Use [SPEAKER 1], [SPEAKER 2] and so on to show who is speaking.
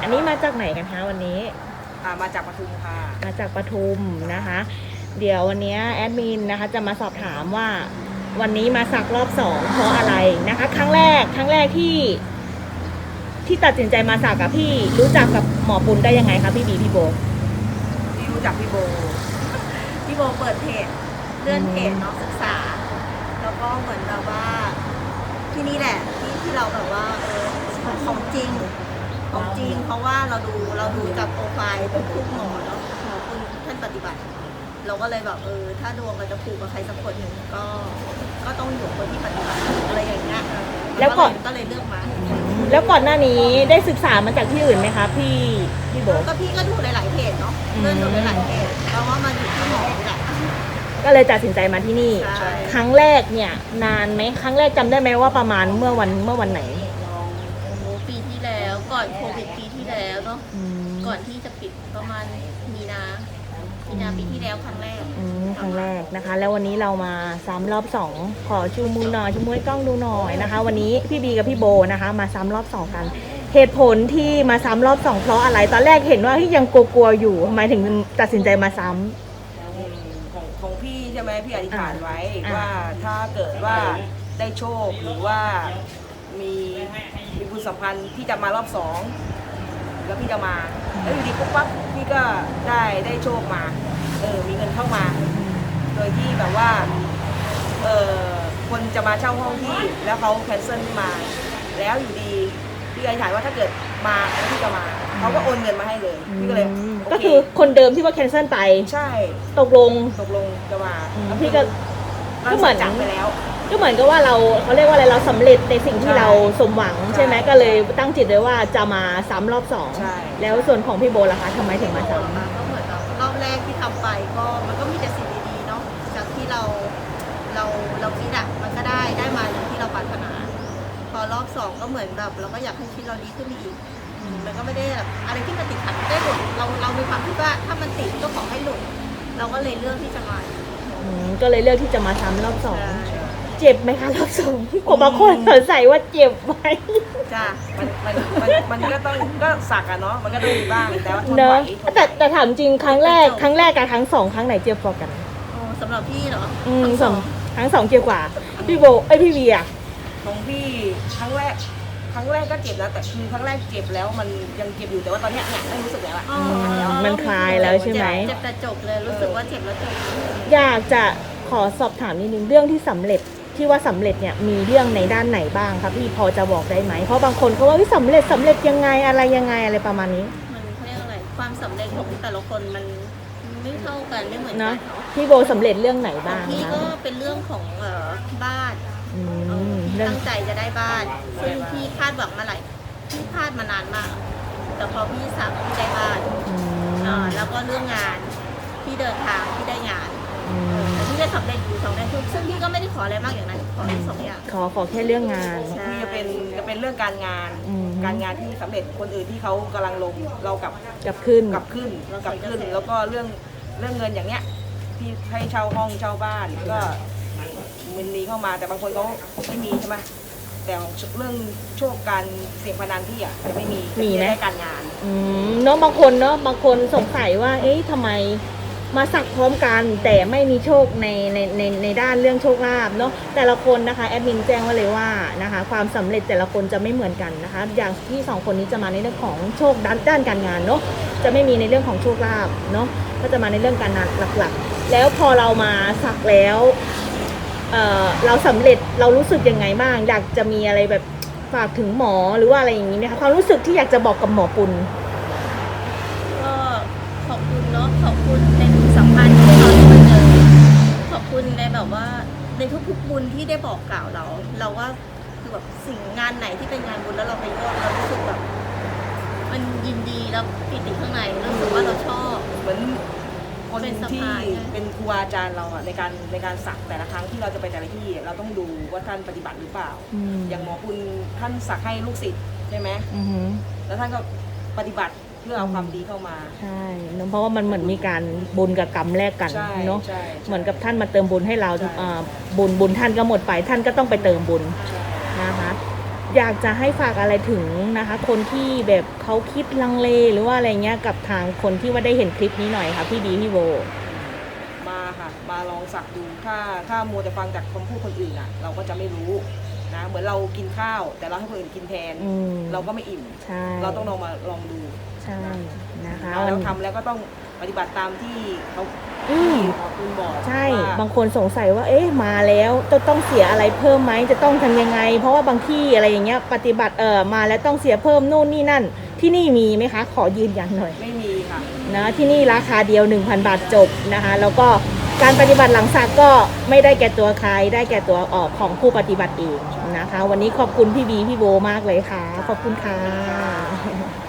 [SPEAKER 1] อันนี้มาจากไหนกันคะวันนี้
[SPEAKER 2] มาจากปทุมค่ะ
[SPEAKER 1] มาจากปทุมนะคะ เดี๋ยววันนี้แอดมินนะคะจะมาสอบถามว่าวันนี้มาสักรอบ2เพราะอะไรนะคะ ครั้งแรกที่ตัดสินใจมาสักกับพี่รู้จักกับหมอปุณได้ยังไงคะพี่บีพี่โบ
[SPEAKER 2] พี่รู้จักพี่โบ
[SPEAKER 3] เปิดเพจเลื่อนเพจเนาะศึกษาแล้วก็เหมือนแบบว่าที่นี่แหละที่เราแบบว่าของจริงเพราะว่าเราดูจากโปรไฟล์ทุกหมอเนาะหมอคุณท่านปฏิบัติ เราก็เลยแบบถ้าดวงเราจะผูกกับใครสักคนหนึ่งก็ต้องอยู่คนที่ปฏิบัติอะไรอย่างเงี้ยแล้วก็เลยเลือกมา
[SPEAKER 1] แล้วก่อนหน้านี้ได้ศึกษามาจากที่อื่นไหมคะพี่โบ
[SPEAKER 3] ก็พี่ก็ดูหลายๆเพจเนาะเลื่อนดูหลายๆเพจเพราะว่ามันอยู่ที่หมอนี่แหละ
[SPEAKER 1] ก็เลยตัดสินใจมาที่นี่ครั้งแรกเนี่ยนานไหมครั้งแรกจำได้ไหมว่าประมาณเมื่อวันไหน
[SPEAKER 3] ปีที่แล้วก่อนโควิดปีที่แล้วเนาะก่อนที่จะปิดประมาณมีนาปีที่แล้วครั้งแรก
[SPEAKER 1] นะคะแล้ววันนี้เรามาซ้ำรอบ2ขอชูมือหน่อยชูมือให้กล้องดูหน่อยนะคะวันนี้พี่บีกับพี่โบนะคะมาซ้ำรอบ2กันเหตุผลที่มาซ้ำรอบ2เพราะอะไรตอนแรกเห็นว่าที่ยังกลัวๆอยู่ทำไมถึงตัดสินใจมาซ้
[SPEAKER 2] ำของพี่ใช่ไหมพี่อธิษฐานไว้ว่าถ้าเกิดว่าได้โชคหรือว่ามีบุญสัมพันธ์ที่จะมารอบ2แล้วพี่จะมาแล้วอยู่ดีปุ๊บปั๊บพี่ก็ได้โชคมามีเงินเข้ามาโดยที่แบบว่าคนจะมาเช่าห้องที่แล้วเขาแคนเซิลมา แล้วอยู่ดีพี่อธิษฐานว่าถ้าเกิดมาแล้วพี่จะมาเขาก็โอนเงินมาให้เลยพี่ก็เลย
[SPEAKER 1] ก็คือคนเดิมที่ว่าแคนเซิลไป
[SPEAKER 2] ใช่
[SPEAKER 1] ตกลง
[SPEAKER 2] จะมา
[SPEAKER 1] แล้วพี่ก็เหมือน
[SPEAKER 2] จับไปแล้ว
[SPEAKER 1] ก็เหมือนกับว่าเขาเรียกว่าอะไรเราสำเร็จในสิ่งที่เราสมหวังใช่ไหมก็เลยตั้งจิตเลยว่าจะมาซ้ำรอบ2แล้วส่วนของพี่โบล่ะคะทำไมถึงมาซ้ำ
[SPEAKER 3] ก็เหมือนรอบแรกที่ทำไปก็มันก็มีแต่สิ่งดีๆเนาะจากที่เราคิดอะมันก็ได้มาอย่างที่เราปรารถนาพอรอบ2ก็เหมือนแบบเราก็อยากให้ชีวิตเราดีขึ้นอีกมันก็ไม่ได้แบบอะไรที่มันติดขัดได้หลุดเรามีความคิดว่าถ้ามันติดก็ขอให้หลุดเราก็เลยเลือกที่จะมา
[SPEAKER 1] ก็เลยเลือกที่จะมาซ้ำรอบ2เจ็บไหมคะรอบ2ผมบางคนสงสัยว่าเจ็บไหม
[SPEAKER 2] จ้ามันก็ต้องก็สักอะเนาะมันก็ต้องมีบ้างแต่ว่าทนไหว
[SPEAKER 1] แต่ถามจริงครั้งแรกกับครั้ง2ครั้งไหนเจ็บกว่ากัน
[SPEAKER 3] สำหรับพี่เหรอ
[SPEAKER 1] ครั้ง2เจ็บกว่าพี่โบพี่วีอะ
[SPEAKER 2] ของพี่ครั้งแรกก็เจ็บแล้วแต่คือครั้งแรกเจ็บแล้วมันยังเจ็บอยู่แต่ว่าตอนนี้เนี่ยไม่รู้สึกแล้วอะ
[SPEAKER 1] มันคลายแล้วใช่ไหม
[SPEAKER 3] เจ็บแต่จบเลยรู้สึกว่าเจ็บแล้วจบ
[SPEAKER 1] อยากจะขอสอบถามนิดนึงเรื่องที่สำเร็จที่ว่าสำเร็จเนี่ยมีเรื่องในด้านไหนบ้างครับพี่พอจะบอกได้ไหมเพราะบางคนเขาว่าสำเร็จยังไงอะไรประมาณนี้
[SPEAKER 3] มันเรียกอะไรความสำเร็จของแต่ละคนมันไม่เท่ากันไม่เหมือนกันเนาะ
[SPEAKER 1] พี่โบสำเร็จเรื่องไหนบ้าง
[SPEAKER 3] พี่ก็เป็นเรื่องของบ้านตั้งใจจะได้บ้านซึ่งพี่คาดหวังมาพี่คาดมานานมากแต่พอพี่สักพี่ได้บ้านแล้วก็เรื่องงานพี่เดินทางพี่ได้งานพี่ได้สำเร็จอยู่2 อย่างซึ่งพี่ก็ไม่ได้ขออะไรมากอย่างนั้นขอแค่2 อย่าง
[SPEAKER 1] ขอแค่เรื่องงาน
[SPEAKER 2] พี่จะเป็นเรื่องการงานที่สำเร็จคนอื่นที่เขากำลังลงเรากลับขึ้นแล้วก็เรื่องเงินอย่างเนี้ยที่ให้เช่าห้องเช่าบ้านก็มันมีเข้ามาแต่บางคนเขาไม่มีใช่ไหมแต่เรื่องโชคการเสี่ยงพนันที่อ่ะจะไม่มีไหมการงาน
[SPEAKER 1] เนาะบางคนสงสัยว่าทำไมมาสักพร้อมกันแต่ไม่มีโชคในด้านเรื่องโชคลาภเนาะแต่ละคนนะคะแอดมินแจ้งไว้เลยว่านะคะความสำเร็จแต่ละคนจะไม่เหมือนกันนะคะอย่างที่2คนนี้จะมาในเรื่องของโชคด้านการงานเนาะจะไม่มีในเรื่องของโชคลาภเนาะก็จะมาในเรื่องการงานหลักๆแล้วพอเรามาสักแล้วเราสำเร็จเรารู้สึกยังไงบ้างอยากจะมีอะไรแบบฝากถึงหมอหรือว่าอะไรอย่างนี้ไหมคะความรู้สึกที่อยากจะบอกกับหมอปุณ
[SPEAKER 3] ก็ขอบคุณเนาะขอบคุณในสัมพันธ์ที่เราได้มาเจอขอบคุณในแบบว่าในทุกๆบุญที่ได้บอกกล่าวเราว่าคือแบบสิ่งงานไหนที่เป็นงานบุญแล้วเราไปร่วมเรารู้สึกแบบมันยินดีแล้วปิติข้างในรู้สึกว่าเราชอบ
[SPEAKER 2] เหมือนคนที่เป็นครูอาจารย์เราอะในการสักแต่ละครั้งที่เราจะไปแต่ละที่เราต้องดูว่าท่านปฏิบัติหรือเปล่าอย่างหมอคุณท่านสักให้ลูกศิษย์ใช่ไหมแล้วท่านก็ปฏิบัติเพื่อเอาความดีเข้ามา
[SPEAKER 1] ใช่เพราะว่ามันเหมือนมีการบุญกับกรรมแลกกันเนาะเหมือนกับท่านมาเติมบุญให้เราบุญท่านก็หมดไปท่านก็ต้องไปเติมบุญนะคะอยากจะให้ฝากอะไรถึงนะคะ คนที่แบบเขาคิดลังเลหรือว่าอะไรเงี้ยกับทางคนที่ว่าได้เห็นคลิปนี้หน่อยค่ะพี่บีพี่โบ
[SPEAKER 2] มาค่ะมาลองสักดูถ้ามัวแต่ฟังจากคำพูดคนอื่นอ่ะ เราก็จะไม่รู้นะเหมือนเรากินข้าว แต่เราให้คนอื่นกินแทน เราก็ไม่อิ่ม
[SPEAKER 1] ใช่
[SPEAKER 2] เราต้องลองดู
[SPEAKER 1] ใช่นะคะ
[SPEAKER 2] แล้วทำแล้วก็ต้องปฏิบัติตามที่เขา
[SPEAKER 1] อืม
[SPEAKER 2] ขอคุณบอก
[SPEAKER 1] ใช่
[SPEAKER 2] ว่า
[SPEAKER 1] บางคนสงสัยว่าเอ๊ะมาแล้วจะต้องเสียอะไรเพิ่มไหมจะต้องทำยังไง เพราะว่าบางที่อะไรอย่างเงี้ยปฏิบัติมาแล้วต้องเสียเพิ่มนู่นนี่นั่น ที่นี่มีไหมคะ ขอยืนยันหน่อย
[SPEAKER 2] ไม่มีค่ะ
[SPEAKER 1] นะที่นี่ราคาเดียว 1,000 บาทจบนะคะแล้วก็การปฏิบัติหลังสักก็ไม่ได้แก่ตัวใครได้แก่ตัวของผู้ปฏิบัติเองนะคะ วันนี้ขอบคุณพี่บีพี่โบมากเลยค่ะ ขอบคุณค่ะ